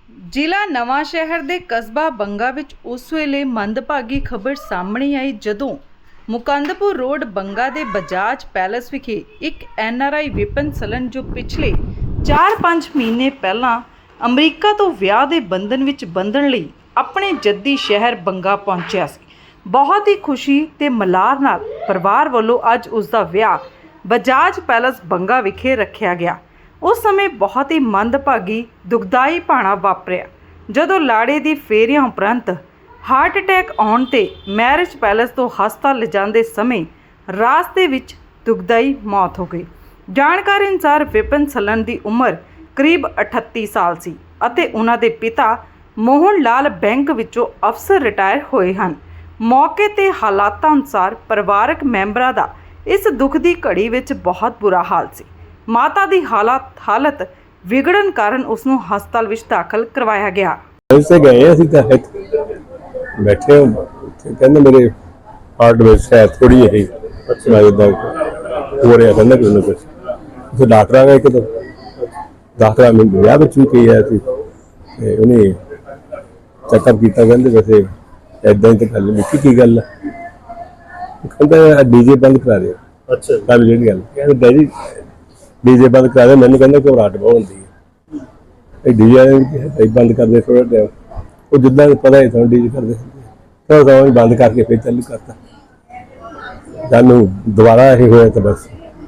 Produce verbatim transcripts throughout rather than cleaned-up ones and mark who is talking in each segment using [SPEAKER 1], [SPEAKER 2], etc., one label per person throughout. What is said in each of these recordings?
[SPEAKER 1] ਜ਼ਿਲ੍ਹਾ ਨਵਾਂਸ਼ਹਿਰ ਦੇ ਕਸਬਾ ਬੰਗਾ ਵਿੱਚ ਉਸ ਵੇਲੇ ਮੰਦਭਾਗੀ ਖਬਰ ਸਾਹਮਣੇ ਆਈ ਜਦੋਂ ਮੁਕੰਦਪੁਰ ਰੋਡ ਬੰਗਾ ਦੇ ਬਜਾਜ ਪੈਲੇਸ ਵਿਖੇ ਇੱਕ ਐਨ ਆਰ ਆਈ ਵਿਪਨ ਸਲਨ ਜੋ ਪਿਛਲੇ ਚਾਰ ਪੰਜ ਮਹੀਨੇ ਪਹਿਲਾਂ ਅਮਰੀਕਾ ਤੋਂ ਵਿਆਹ ਦੇ ਬੰਧਨ ਵਿੱਚ ਬੰਧਨ ਲਈ ਆਪਣੇ ਜੱਦੀ ਸ਼ਹਿਰ ਬੰਗਾ ਪਹੁੰਚਿਆ ਸੀ। ਬਹੁਤ ਹੀ ਖੁਸ਼ੀ ਤੇ ਮਲਾਰ ਨਾਲ ਪਰਿਵਾਰ ਵੱਲੋਂ ਅੱਜ ਉਸ ਦਾ ਵਿਆਹ ਬਜਾਜ ਪੈਲੇਸ ਬੰਗਾ ਵਿਖੇ ਰੱਖਿਆ ਗਿਆ। ਉਸ ਸਮੇਂ ਬਹੁਤ ਹੀ ਮੰਦਭਾਗੀ ਦੁਖਦਾਈ ਭਾਣਾ ਵਾਪਰਿਆ ਜਦੋਂ ਲਾੜੇ ਦੀ ਫੇਰਿਆਂ ਉਪਰੰਤ ਹਾਰਟ ਅਟੈਕ ਆਉਣ ਤੇ ਮੈਰਿਜ ਪੈਲੇਸ ਤੋਂ ਹਸਪਤਾਲ ਲਿਜਾਂਦੇ ਸਮੇਂ ਰਾਸਤੇ ਵਿੱਚ ਦੁਖਦਾਈ ਮੌਤ ਹੋ ਗਈ। ਜਾਣਕਾਰੀ ਅਨੁਸਾਰ ਵਿਪਨ ਸਲਨ ਦੀ ਉਮਰ ਕਰੀਬ ਅਠੱਤੀ ਸਾਲ ਸੀ ਅਤੇ ਉਹਨਾਂ ਦੇ ਪਿਤਾ ਮੋਹਨ ਲਾਲ ਬੈਂਕ ਵਿੱਚੋਂ ਅਫਸਰ ਰਿਟਾਇਰ ਹੋਏ ਹਨ। ਮੌਕੇ ਤੇ ਹਾਲਾਤਾਂ ਅਨੁਸਾਰ ਪਰਿਵਾਰਕ ਮੈਂਬਰਾਂ ਦਾ ਇਸ ਦੁੱਖ ਦੀ ਘੜੀ ਵਿੱਚ ਬਹੁਤ ਬੁਰਾ ਹਾਲ ਸੀ। ਮਾਤਾ ਦੀ ਹਾਲਤ ਹਾਲਤ ਵਿਗੜਨ ਕਾਰਨ ਉਸ ਨੂੰ ਹਸਪਤਾਲ ਵਿੱਚ ਦਾਖਲ ਕਰਵਾਇਆ ਗਿਆ।
[SPEAKER 2] से गए ਅਸੀਂ ਤਾਂ बैठे कहते मेरे हार्ट में शायद थोड़ी है अच्छा हो रहा कहना कि उन्हें कुछ तो डॉक्टर आ गए एक तो डॉक्टर मैं ब्याह भी कही है उन्हें चैकअप किया कहते वैसे इदा ही तो गल लिखी की गल कहता डीजे बंद करा दे। अच्छा कल जी गल डैडी डीजे बंद करा दे। मैंने कहना घबराहट बहुत होती है डीजे बंद कर दे थोड़ा टाइम वो जिदा पता ही था डीजे करते थोड़ा सा बंद करके फिर चालू करता जानू दोबारा ये होया तो बस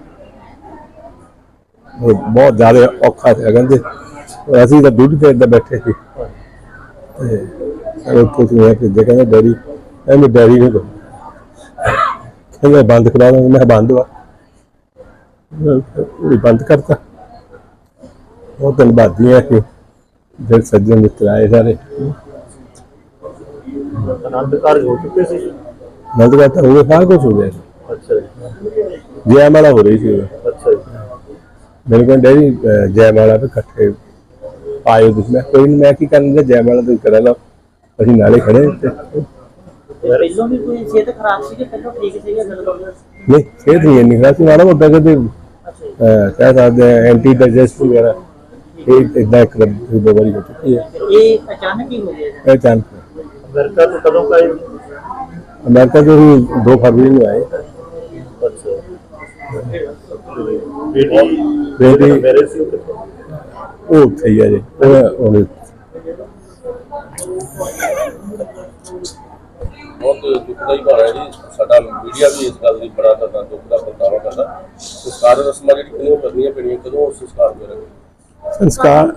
[SPEAKER 2] बहुत ज्यादा औखा था कहते असी तो दुध के इदा बैठे थे भेजे कहते डैडी मैं डैडी ने कहते बंद करा दूँ मैं बंद हुआ बंद करता बहुत धन्यवादी है कि जो सज्जन मित्र आए सारे
[SPEAKER 3] आनंद कार्य हो चुके थे।
[SPEAKER 2] आनंद कार्य तो हो सारा कुछ हो गया।
[SPEAKER 3] अच्छा
[SPEAKER 2] जयमाला हो रही थी।
[SPEAKER 3] अच्छा
[SPEAKER 2] मैंने कहा डैडी जयमाला पे इकट्ठे आयो तुम मैं कोई नहीं मैं की करना जयमाला तो करा लो ਅਸੀਂ ਨਾਲੇ ਖੜੇ ਤੇ
[SPEAKER 3] ਪਹਿਲਾਂ ਵੀ ਕੋਈ ਸਿਹਤ ਖਰਾਬ ਸੀ ਕਿ ਪਹਿਲਾਂ ਠੀਕ ਸੀਗਾ ਜਦੋਂ
[SPEAKER 2] ਨਹੀਂ ਸਿਹਤ ਨਹੀਂ ਇੰਨੀ ਖਰਾਬ ਸੀ ਮਾੜਾ ਮੋਟਾ ਕਦੇ ਕਹਿ ਸਕਦੇ ਐਂਟੀ ਡਾਈਜੈਸਟ ਵਗੈਰਾ ਇਹ ਇਦਾਂ ਇੱਕ ਦੋ ਵਾਰੀ ਹੋ ਚੁੱਕੀ ਹੈ।
[SPEAKER 3] ਇਹ ਅਚਾਨਕ ਹੀ ਹੋ ਗਿਆ
[SPEAKER 2] ਇਹ ਅਚਾਨਕ
[SPEAKER 3] ਅਮਰੀਕਾ ਤੋਂ ਕਦੋਂ ਆਏ?
[SPEAKER 2] ਅਮਰੀਕਾ ਤੋਂ ਹੀ ਦੋ ਫਰਵਰੀ ਨੂੰ ਆਏ।
[SPEAKER 3] ਅੱਛਾ ਬੇਟੀ
[SPEAKER 2] ਬੇਟੀ
[SPEAKER 3] ਮੇਰੇ ਸੀ
[SPEAKER 2] ਉਹ ਉੱਥੇ ਹੀ ਆ ਜੀ ਉਹ
[SPEAKER 4] बहुत दुखदाई भारा है जी साडा मीडिया भी इस गल की बड़ा ज्यादा दुख का प्रगटावा करता संस्कार रस्मां जी कितनी करनी पैनियां कदों संस्कार करेंगे
[SPEAKER 2] संस्कार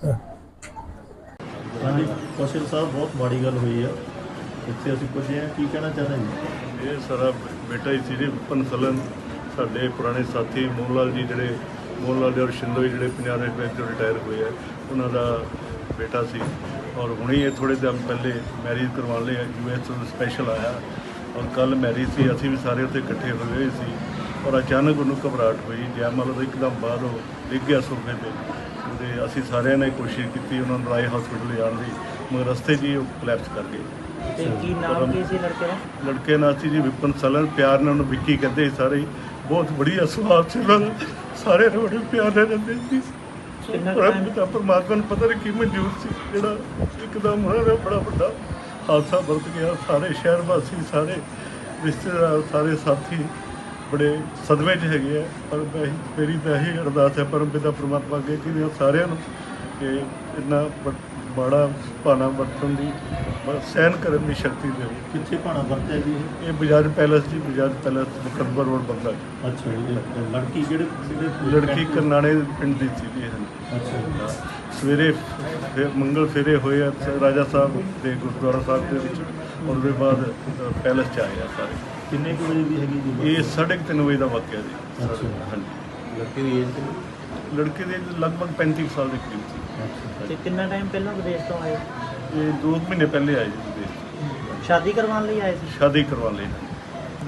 [SPEAKER 5] हाँ जी कौशल साहब बहुत माड़ी गल हुई है इतने असीं पुजे हैं की कहना चाहते हैं
[SPEAKER 6] ये सारा बेटा ही सी जी विपन सलन साडे पुराने साथी मोहन लाल जी जिहड़े मोहन लाल और शिंदो जिहड़े पंजाब नेशनल बैंक तो रिटायर हुए हैं उन्हों का बेटा सी और हुणे ये थोड़े दिन पहले मैरिज करवा लिए यू एस तो स्पैशल आया और कल मैरिज सी असीं भी सारे उत्थे इकट्ठे होए हुए सी और अचानक उन्होंने घबराहट हुई जयमाला तो एकदम बाद वो डिग गया सोफे पर ते असीं सारिਆਂ ने कोशिश की उन्होंने राय हॉस्पिटल जाने की मगर रस्ते जी कोलैप्स कर गए।
[SPEAKER 3] ਕੀ ਨਾਮ ਕੀ ਸੀ ਲੜਕੇ ਦਾ?
[SPEAKER 6] लड़के नाम सी जी विपन सलन प्यार ने उन्होंने विक्की कहते सारे बहुत बढ़िया सुभाव से उन्होंने सारे ने बड़े प्यार ने रहते सी पिता परमात्मा ने पता नहीं की मंजूर से जोड़ा एकदम उन्होंने बड़ा बड़ा हादसा बरत गया। सारे शहर वासी सारे रिश्तेदार सारे साथी बड़े सदमे च है पर मेरी तो यही अरदास है परम पिता परमात्मा अगे कि सारे कि इन्ना माड़ा भाना वरतन की सहन करने की शक्ति दे।
[SPEAKER 5] कितने भाना वरत्या जी?
[SPEAKER 6] ये Bajaj palace ji Bajaj palace Mukandpur road Banga.
[SPEAKER 5] अच्छा लड़की जेड़े
[SPEAKER 6] लड़की करनाणे पिंड दी थी जी।
[SPEAKER 5] अच्छा
[SPEAKER 6] सवेरे फिर मंगल फेरे होए राजा साहब के गुरुद्वारा साहब के विच और उसके बाद पैलेस च आए सारे।
[SPEAKER 5] किन्ने कुछ बजे की हैगी जी?
[SPEAKER 6] ये साढ़े तीन बजे का वाकया जी।
[SPEAKER 5] अच्छा
[SPEAKER 6] हाँ जी
[SPEAKER 5] लड़के की एज
[SPEAKER 6] लड़के के लगभग पैंतीस साल के करीब थी।
[SPEAKER 3] ਤੇ ਕਿੰਨਾ ਟਾਈਮ ਪਹਿਲਾਂ ਵਿਦੇਸ਼ ਤੋਂ ਆਏ?
[SPEAKER 6] ये दो महीने पहले आए जी विदेश
[SPEAKER 3] ਸ਼ਾਦੀ ਕਰਵਾਉਣ ਲਈ ਆਏ ਸੀ?
[SPEAKER 6] शादी करवा ली।